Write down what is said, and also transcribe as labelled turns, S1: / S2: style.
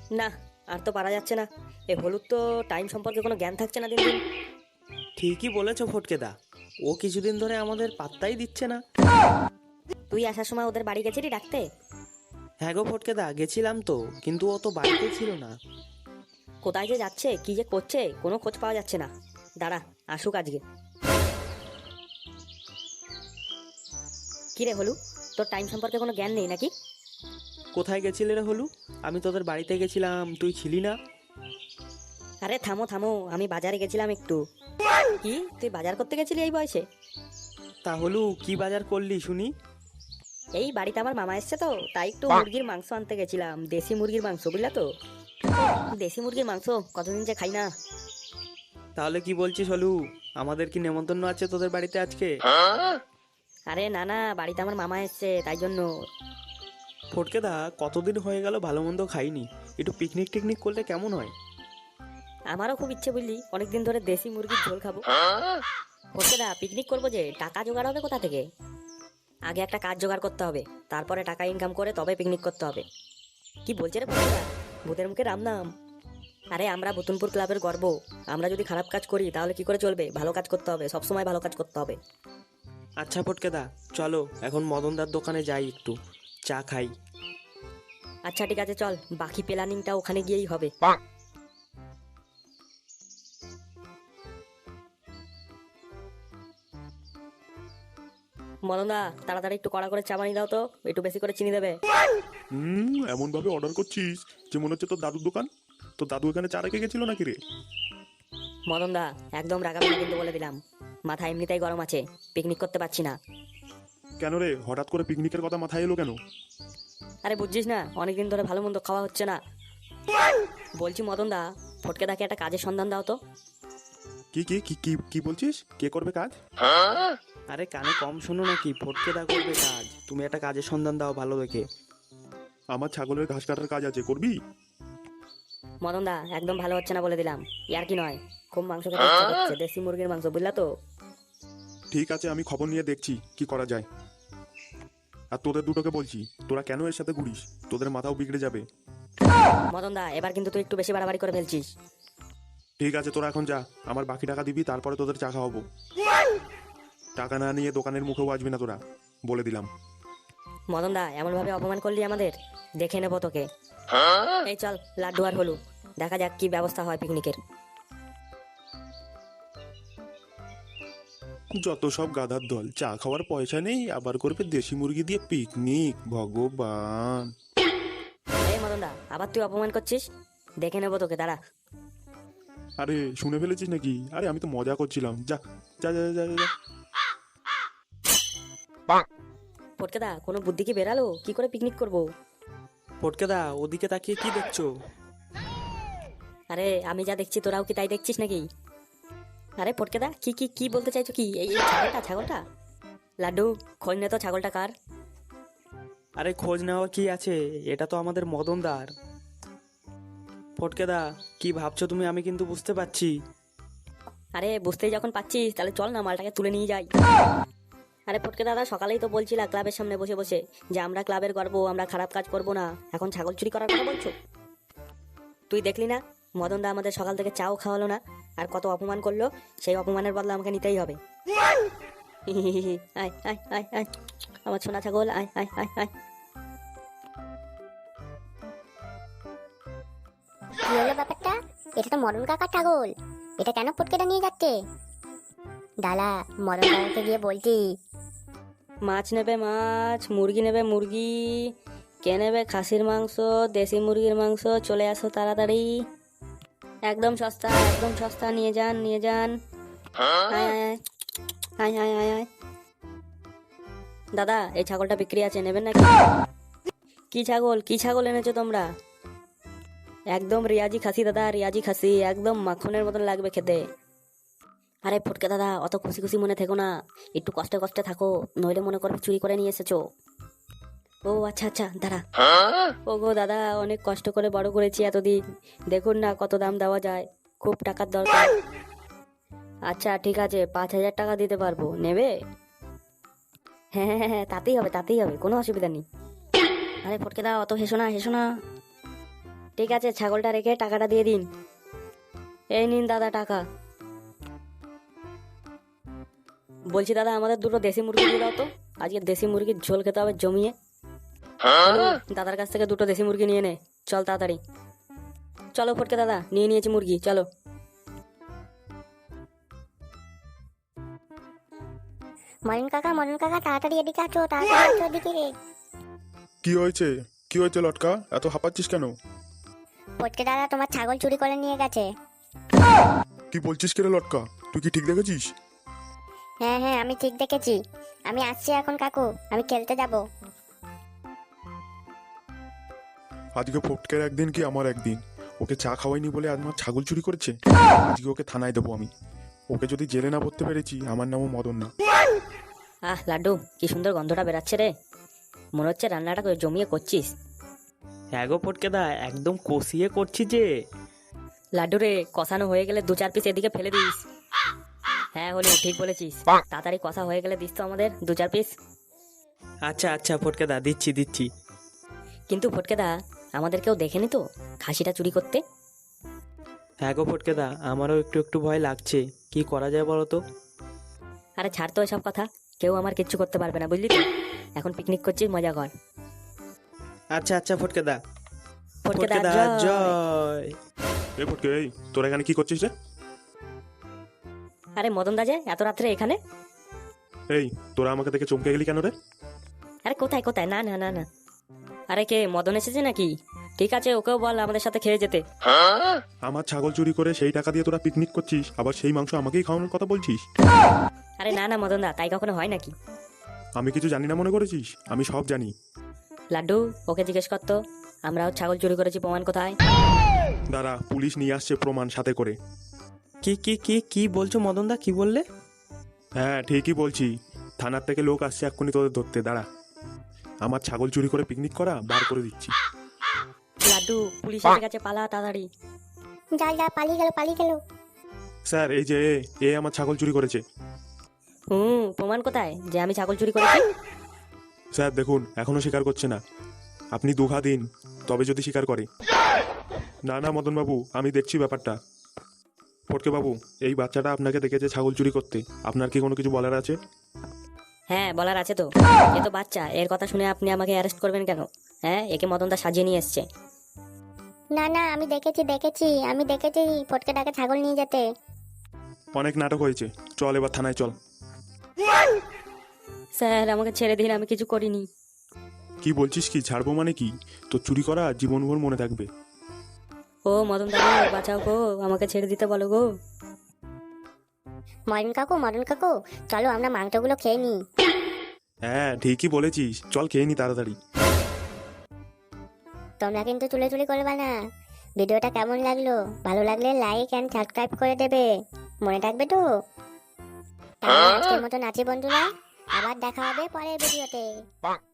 S1: না, আর তো পারা যাচ্ছে না। এ হলুদ তো টাইম সম্পর্কে কোনো জ্ঞান থাকছে না দিন দিন।
S2: ঠিকই বলেছো ফটকেদা, ও কিছুদিন ধরে আমাদের পাত্তাই দিচ্ছে না।
S1: তুই আসার সময় ওদের বাড়ি গেছিলি ডাকতে?
S2: হ্যাঁ গো ফটকেদা, গেছিলাম তো, কিন্তু ও তো বাড়িতে ছিল না।
S1: কোথায় যে যাচ্ছে, কি যে করছে, কোনো খোঁজ পাওয়া যাচ্ছে না। দাঁড়া, আসুক আজকে। কি রে হলু, তোর টাইম সম্পর্কে কোনো জ্ঞান নেই নাকি?
S2: কোথায় গেছিলে রে হলু? আমি তোদের বাড়িতে গেছিলাম, তুই ছিলি না।
S1: আরে থামো থামো, আমি বাজারে গেছিলাম একটু। কি, তুই বাজার করতে গেছিলি এই বয়সে?
S2: তা হলু, কি বাজার করলি শুনি?
S1: এই বাড়িতে আমার মামা এসছে তো, তাই একটু মুরগির মাংস আনতে গেছিলাম, দেশি মুরগির মাংস, বুঝলা তো। দেশি মুরগির মাংস কতদিন যে খাই না।
S2: তাহলে কি বলছিস হলু, আমাদের কি নেমন্তন্ন আছে তোদের বাড়িতে আজকে?
S1: আরে না না, বাড়িতে আমার মামা এসছে তাই জন্য।
S2: ফটকেদা, কতদিন হয়ে গেল ভালো মন্দ খাইনি, একটু পিকনিক টিকনিক করলে কেমন হয়?
S1: আমারও খুব ইচ্ছে বুঝলি, অনেকদিন ধরে দেশি মুরগির ঝোল খাবো। বলছে না পিকনিক করবো, যে টাকা জোগাড় হবে কোথা থেকে? আগে একটা কাজ জোগাড় করতে হবে, তারপরে টাকা ইনকাম করে তবে পিকনিক করতে হবে। কি বলছে রে বন্ধুরা, ভূতের মুখে রাম নাম। আরে আমরা বুতুনপুর ক্লাবের গর্ব, আমরা যদি খারাপ কাজ করি তাহলে কি করে চলবে? ভালো কাজ করতে হবে, সবসময় ভালো কাজ করতে হবে।
S2: আচ্ছা ফটকেদা, চলো এখন মদনদার দোকানে যাই, একটু চা খাই।
S1: আচ্ছা ঠিক আছে, চল, বাকি প্ল্যানিংটা ওখানে গিয়েই হবে। মদনদা, তাড়াতাড়ি একটু কড়া করে চা বানিয়ে দাও তো, একটু বেশি করে চিনি দেবে।
S3: এমন ভাবে অর্ডার করছিস যে মনে হচ্ছে তোর দাদুর দোকান। তোর দাদু এখানে চা রেখে গেছিল নাকি রে?
S1: মদনদা, একদম রাগাবি না কিন্তু বলে দিলাম। মাথা এমনিতেই গরম আছে, পিকনিক করতে পারছি না।
S3: কেন রে, হঠাৎ করে পিকনিকের কথা মাথায় এলো কেন?
S1: আরে বুঝছিস না, অনেকদিন ধরে ভালো মন্দ খাওয়া হচ্ছে না। বলছি মদনদা, ফটকে দাকে একটা কাজের সন্ধান দাও তো।
S3: কি কি কি কি কি বলছিস? কে করবে কাজ?
S2: আরে কানে কম শোনো নাকি, ফটকেদা করবে কাজ, তুমি একটা কাজের সন্ধান দাও ভালো দেখে।
S3: আমার ছাগলের ঘাস কাটার কাজ আছে, করবি?
S1: মদনদা, একদম ভালো হচ্ছে না বলে দিলাম, ইয়ার কি নয়। খুব মাংস খেতে ইচ্ছা করছে, দেশি মুরগির মাংস, বুঝলা তো।
S3: ঠিক আছে, আমি খবর নিয়ে দেখছি কি করা যায়। আর তোদের দুটোকে বলছি, তোরা কেন এর সাথে ঘুরিস? তোদের মাথাও বিগড়ে যাবে।
S1: মদনদা, এবার কিন্তু তুই একটু বেশি বাড়াবাড়ি করে ফেলছিস।
S3: ঠিক আছে, তোরা এখন যা, আমার বাকি টাকা দিবি, তারপরে তোদের চা খাওয়াবো। টাকা না নিয়ে দোকানের মুখেও আসবি না তোরা, বলে দিলাম।
S1: মদনদা, এমন ভাবে অপমান করলি আমাদের, দেখে নেবো তোকে। এই চল, লাড্ডু আর হলু, দেখা যাক কি ব্যবস্থা হয় পিকনিকের।
S3: যত সব গাধার দল, চা খাওয়ার পয়সা নেই, আবার করবে দেশি মুরগি দিয়ে পিকনিক, ভগবান।
S1: এই মদনদা, আবার তুই অপমান করছিস, দেখে নেবো তোকে, দাঁড়া।
S3: আরে শুনে ফেলেছিস নাকি? আরে আমি তো মজা করছিলাম, যা যা যা যা যা, যা।
S1: ফটকেদা, কোনো বুদ্ধি কি বেরালো, কি করে পিকনিক করবো?
S2: ফটকেদা, ওদিকে তাকিয়ে কি দেখছো?
S1: আরে আমি যা দেখছি তোরাও কি তাই দেখছিস নাকি? আরে ফটকেদা, কি কি কি বলতে চাইছো কি? এই এই ছাগলটা, ছাগলটা। লাড্ডু, খোঁজ নে তো ছাগলটা কার।
S2: আরে খোঁজ নেওয়া কি আছে, এটা তো আমাদের মদনদার। ফটকেদা, কি ভাবছো তুমি, আমি কিন্তু বুঝতে পারছি।
S1: আরে বুঝতেই যখন পাচ্ছিস, তাহলে চল না মালটাকে তুলে নিয়ে যাই। আরে ফটকে দাদা, সকালেই তো বলছিলা ক্লাবের সামনে বসে বসে যে আমরা ক্লাবের গর্ব, আমরা খারাপ কাজ করব না, এখন ছাগল চুরি করার কথা বলছো? তুই দেখলি না, মদনদা আমাদের সকাল থেকে চাও খাওয়ালো না, আর কত অপমান করলো। সেই অপমানের বদলা আমাকে নিতেই হবে। আয় আয় আয় আয়, আমার সোনা ছাগল, আয় আয় আয় আয়।
S4: কি হলো ব্যাপারটা? এটা তো মদন কাকার ছাগল, এটা কেন পুটকেটা নিয়ে যাচ্ছে? দাদা, মদন কাকাকে গিয়ে বলছি।
S1: মাছ নেবে মাছ, মুরগি নেবে মুরগি, কে নেবে খাসির মাংস, দেশি মুরগির মাংস, চলে আসো তাড়াতাড়ি, একদম সস্তা, একদম সস্তা, নিয়ে যান নিয়ে যান। আয় আয় আয় আয় আয় আয়। দাদা, এই ছাগলটা বিক্রি আছে, নেবেন নাকি? কি ছাগল, কি ছাগল এনেছো তোমরা? একদম রিয়াজি খাসি দাদা, রিয়াজি খাসি, একদম মাখনের মতন লাগবে খেতে। আরে ফটকে দাদা, অত খুশি খুশি মনে থেকো না, একটু কষ্টে কষ্টে থাকো, নইলে মনে করবে চুরি করে নিয়ে এসেছো। ও আচ্ছা আচ্ছা, দাঁড়া। ও গো দাদা, অনেক কষ্ট করে বড় করেছি এতদিন, দেখুন না কত দাম দেওয়া যায়, খুব টাকার দরকার। আচ্ছা ঠিক আছে, 5,000 টাকা দিতে পারবো, নেবে? হ্যাঁ হ্যাঁ হ্যাঁ, তাতেই হবে তাতেই হবে, কোনো অসুবিধা নেই। আরে ফটকে দাও, অত হেসো না হেসো না। ঠিক আছে, ছাগলটা রেখে টাকাটা দিয়ে দিন। এই নিন দাদা টাকা। বলছি দাদা, আমাদের দুটো দেশি মুরগি দিয়ে দাও তো, আজকে দেশি মুরগির ঝোল খেতে হবে জমিয়ে। দাদার কাছ থেকে দুটো দেশি মুরগি নিয়ে নে, চল তাড়াতাড়ি। চলো ফটকে দাদা, নিয়ে নিয়েছি মুরগি, চলো।
S4: মরণ কাকা তাড়াতাড়ি এদিকে আছো, তাড়াতাড়ি আছো এদিকে।
S3: কি হয়েছে? কি হয়েছে লটকা? এত হাঁপাচ্ছিস কেন?
S4: ফটকে দাদা তোমার ছাগল চুরি করে নিয়ে গেছে।
S3: কি বলছিস কে রে লটকা? তুই কি ঠিক দেখেছিস?
S4: হ্যাঁ হ্যাঁ, আমি ঠিক দেখেছি। আমি আসছি এখন কাকু, আমি খেলতে যাব।
S3: আজকে ফটকের একদিন কি আমার একদিন। ওকে চা খাওয়াইনি বলে আজ আমার ছাগল চুরি করেছে। আজকে ওকে থানায় দেবো আমি। ওকে যদি জেলে না ভরতে পেরেছি, আমার নামও মদন না।
S1: আহ লাড্ডু, কি সুন্দর গন্ধটা বেরাচ্ছে রে, মনে হচ্ছে রান্নাটা জমিয়ে করছিস।
S2: হ্যাঁ গো ফটকে দা, একদম কষিয়ে করছি যে।
S1: লাড্ডু রে, কষানো হয়ে গেলে 2-4 পিস এদিকে ফেলে দিস। হ্যাঁ হলো, ঠিক বলেছিস। তাড়াতাড়ি কষা হয়ে গেলে দিস তো আমাদের 2-4 পিস।
S2: আচ্ছা আচ্ছা ফটকে দা, দিচ্ছি দিচ্ছি।
S1: কিন্তু ফটকে দা, আমাদের কেউ দেখেনি তো খাসিটা চুরি করতে?
S2: হ্যাঁ গো ফটকে দা, আমারও একটু একটু ভয় লাগছে। কি করা যায় বলো তো?
S1: আরে ছাড় তো এসব কথা, কেউ আমার কিচ্ছু করতে পারবে না, বুঝলি তো। এখন পিকনিক করছিস, মজা কর।
S2: আচ্ছা আচ্ছা ফটকে দা।
S1: ফটকে
S2: ফটকে
S1: দা
S2: দা
S1: জয়।
S2: জয়।
S3: এই ফটকে, এই তোরা এখানে কি করছিস রে?
S1: আরে মদন দা যে এত রাত্রে এখানে?
S3: এই তোরা আমাকে দেখে চমকে গেলি কেন রে?
S1: আরে কোথায় কোথায়, না না না না। আরে কে, মদন এসেছে নাকি? ঠিক আছে, ওকেও বল আমাদের সাথে খেয়ে যেতে।
S3: আমার ছাগল চুরি করে সেই টাকা দিয়ে তোরা পিকনিক করছিস, আবার সেই মাংস আমাকেই খাওয়ানোর কথা বলছিস?
S1: আরে না না মদন দা, তাই কখনো হয় নাকি?
S3: আমি কিছু জানি না মনে করেছিস? আমি সব জানি।
S1: লাড্ডু, ওকে জিজ্ঞেস করতো আমরাও ছাগল চুরি করেছি, প্রমাণ কোথায়?
S3: দাঁড়া, পুলিশ নিয়ে আসছে প্রমাণ সাথে করে।
S2: কি কি কি কি বলছো মদন দা, কি বললে?
S3: হ্যাঁ ঠিকই বলছি, থানার থেকে লোক আসছে এক্ষুনি তোদের ধরতে। দাঁড়া, আমার ছাগল চুরি করে পিকনিক করা বার করে দিচ্ছি।
S1: লাড্ডু, পুলিশ এসে গেছে, পালা তাড়াতাড়ি।
S4: যা পালিয়ে গেল।
S3: স্যার এই যে এ আমার ছাগল চুরি করেছে।
S1: প্রমাণ কোথায় যে আমি ছাগল চুরি করেছি?
S3: স্যার দেখুন, এখনো স্বীকার করছে না। আপনি দুঘা দিন, তবে যদি স্বীকার করে। না না মদন বাবু, আমি দেখছি ব্যাপারটা। ফটকে বাবু, এই বাচ্চাটা আপনাকে দেখেছে ছাগল চুরি করতে, আপনার কি কোনো কিছু বলার আছে?
S1: হ্যাঁ বলার আছে তো। এ তো বাচ্চা, এর কথা শুনে আপনি আমাকে অ্যারেস্ট করবেন কেন? হ্যাঁ, একে মদন দা সাজিয়ে নিয়ে এসছে।
S4: না না, আমি দেখেছি ফটকে ডাকে ছাগল নিয়ে যেতে।
S3: অনেক নাটক হয়েছে, চল এবার থানায় চল।
S1: স্যার আমাকে ছেড়ে দিন, আমি কিছু করিনি।
S3: কি বলছিস? কি ছাড়বো মানে কি? তো চুরি করা জীবনভর মনে থাকবে।
S1: ও মদন দা গো, বাঁচাও গো, আমাকে ছেড়ে দিতে বলো গো।
S4: মরণ কাকু, চলো আমরা মাংসগুলো খেয়ে নিই।
S3: হ্যাঁ ঠিকই বলেছিস, চল খেয়ে নি তাড়াতাড়ি।
S4: তোমরা কিন্তু চুলি করবে না। ভিডিওটা কেমন লাগলো? ভালো লাগলে লাইক এন্ড সাবস্ক্রাইব করে দেবে, মনে থাকবে তো? তাহলে আজকের মতন আছি বন্ধুরা, আবার দেখা হবে পরের ভিডিওতে।